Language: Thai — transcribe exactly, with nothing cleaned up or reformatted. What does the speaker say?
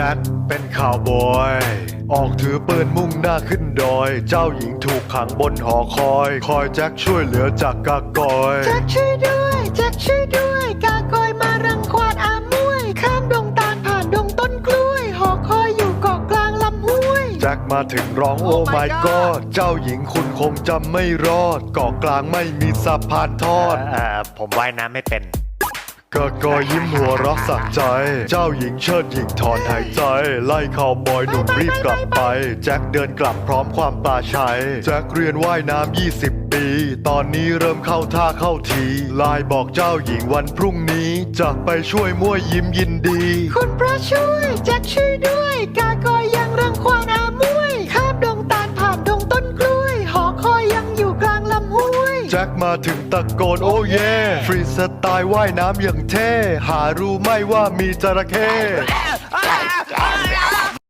จ็คเป็นข่าวบอยออกถือปืนมุ่งหน้าขึ้นดอยเจ้าหญิงถูกขังบนหอคอยคอยแจ็คช่วยเหลือจากกากอยแจ็คช่วยด้วยแจ็คช่วยด้วยกากอยมารังควานอามวยข้ามดงตาลผ่านดงต้นกล้วยหอคอยอยู่เกาะกลางลำห้วยแจ็คมาถึงร้องโอ้ Oh ไม่ my ก็ God เจ้าหญิงคุณคงจำไม่รอดเกาะกลางไม่มีสะพานทอดเอ่อผมว่ายน้ำไม่เป็นกะกอยิ้มหัวเรักสักใจ เจ้าหญิงเชิดหญิงถอนหายใจ ไล่ข่าวบอยหนุ่มรีบกลับไป แจ็คเดินกลับพร้อมความปลาชัย แจ็คเรียนว่ายน้ำยี่สิบปี ตอนนี้เริ่มเข้าท่าเข้าทีไลน์บอกเจ้าหญิงวันพรุ่งนี้จะไปช่วยมั่วยิ้มยินดีคุณพระช่วยแจ็คช่วยด้วยกากอยยังรังควานอามวยข้ามดงตาลผ่านดงต้นกล้วยหอคอยยังอยู่กลางลำห้วยแจ็คมาถึงตะโกนโอ้เย่ฟรีสไตล์ว่ายน้ำอย่างเท่ หารู้ไหม่ว่ามีจระเข้